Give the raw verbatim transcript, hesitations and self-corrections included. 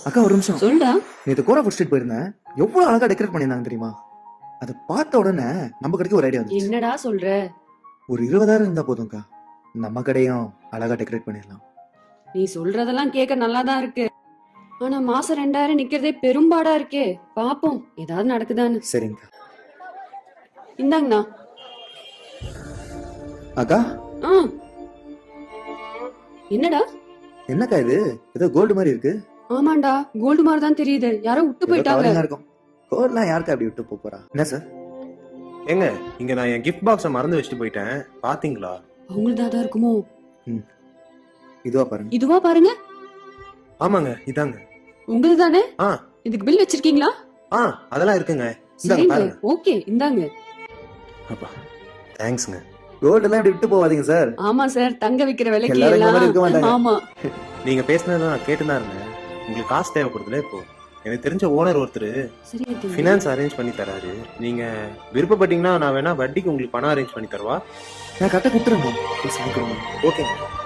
அக்கா ஒரு நிமிஷம். சொல்டா. நேற்று கோரா ஃபுட் ஸ்ட்ரீட் போயிருந்தேன். எவ்வளவு அழகா டெக்கரேட் பண்ணியிருந்தாங்க தெரியுமா? அதை பார்த்த உடனே நம்ம கடைக்கு ஒரு ஐடியா வந்துச்சு. என்னடா சொல்ற? ஒரு இருபதாயிரம் இருந்தா போதும்க்கா, நம்ம கடையும் அழகா டெக்கரேட் பண்ணிடலாம். நீ சொல்றதெல்லாம் கேட்க நல்லாதான் இருக்கு. ஆனா மாசம் ரெண்டாயிரம் நிக்கிறதே பெரும்பாடா இருக்கே. பாப்போம் ஏதாவது நடக்குதான்னு. சரிங்கக்கா. இந்தாங்கண்ணா. அக்கா ஆ என்னடா? என்னக்கா இது? ஏதோ கோல்டு மாதிரி இருக்கு. ஆமாண்டா, கோல்டு மாதிரி தான் தெரியுது. யாரோ விட்டு போயிட்டாங்க. இருக்கும். கோல்ட்லாம் யாருக்கா அப்படி விட்டு போறா? என்ன சார்? ஏங்க, இங்க நான் என் கிஃப்ட் பாக்ஸை மறந்து வச்சுட்டு போயிட்டேன். பாத்தீங்களா? அவங்களுதா தான் இருக்குமோ? இதுவா பாருங்க. இதுவா பாருங்க. ஆமாங்க, இதாங்க. உங்களுது தானே? ஆ. இதுக்கு பில் வச்சிருக்கீங்களா? ஆ, அதெல்லாம் இருக்குங்க. இந்தாங்க சரிங்க. பாருங்க. ஓகே, இந்தாங்க. அப்பா, தேங்க்ஸ்ங்க. கோல்டு எல்லாம் இப்படி விட்டு போவாதீங்க சார். ஆமா சார், தங்க விக்கிற விலைக்கு எல்லாரும் இந்த மாதிரி இருக்க எல்லாம். மாட்டாங்க. ஆமா. நீங்க பேசுனதை நான் கேட்டுதான் இருந்தேன். உங்களுக்கு காசு தேவைப்படுதுல இப்போ. எனக்கு தெரிஞ்ச ஓனர் ஒருத்தர் சரி ஓகே. ஃபினான்ஸ் அரேஞ்ச் பண்ணி தராரு. நீங்க விருப்பப்பட்டீங்கன்னா நான் வேணா வட்டிக்கு உங்களுக்கு பணம் அரேஞ்ச் பண்ணி தரவா? நான் கரெக்டாக கொடுத்துருங்க. ஓகேங்க.